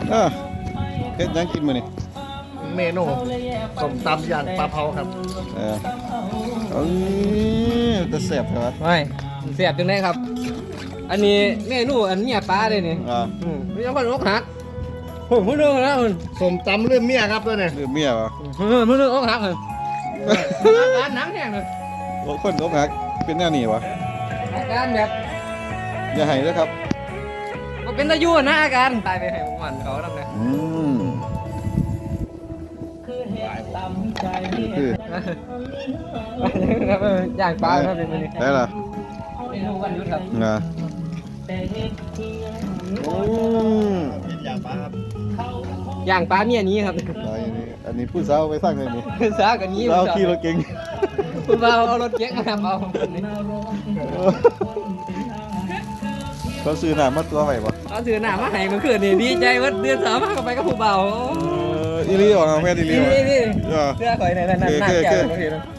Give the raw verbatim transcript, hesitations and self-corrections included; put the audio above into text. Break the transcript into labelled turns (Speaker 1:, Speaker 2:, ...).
Speaker 1: เออเฮ็ดหยังกินมื้อนี่
Speaker 2: เมนูส้มตำย่างปลาเผาครับ
Speaker 1: เออเอ้ยจะแซ่บใช่ปะ
Speaker 3: ไม่เสียบจังได้ครับ อันนี้เมนูอันเมียปลาเลยนี่
Speaker 1: อ่า
Speaker 3: อืมไม่ใช่คนอกหักผมพูดเรื่องนะมัน
Speaker 2: ส้มตำเรื่องเมียครับตัวนี้
Speaker 1: ลืมเมียปะ
Speaker 3: เออพูดเรื่องอกหักเลยอาการหนังแห้งเลย
Speaker 1: โอ้คนอกหักเป็นแนวนี้วะ
Speaker 3: อาการแบบ
Speaker 1: อย่าให้เด้อครับ
Speaker 3: มันเป็นตะยุ่นะอาการตายไปให้พวกมันเขาทำไง
Speaker 1: อืมคือ
Speaker 3: ย่างปลาครับเป็นมันนี่
Speaker 1: ได้ล่ะ
Speaker 3: เมนูวันหยุดครับ
Speaker 1: นะอืม
Speaker 2: ย่างปลาครับ
Speaker 3: ย่างปลาเมียนี้ครับ
Speaker 1: ได้อันนี้อันนี้ผู้สาวไปสร้างเลยนี่
Speaker 3: ซากันนี้
Speaker 1: เราขี่รถเก่ง
Speaker 3: คุณบ่าวเอารถเก๋งมาเอา
Speaker 1: เขาซื้อหน้ามาตัวไว้ปะ
Speaker 3: เอาถือหน้ามาให้เมื่อคืนนี่ดีใจว่าเดือนสามมาเข้าไปกับผู้บ่าว
Speaker 1: เอออีหลีออกมาแม่นอีหลี
Speaker 3: นี่
Speaker 1: ออก
Speaker 3: นี่นี่
Speaker 1: เออ
Speaker 3: เสื้อข่อยในนั้นหน้าแก้ว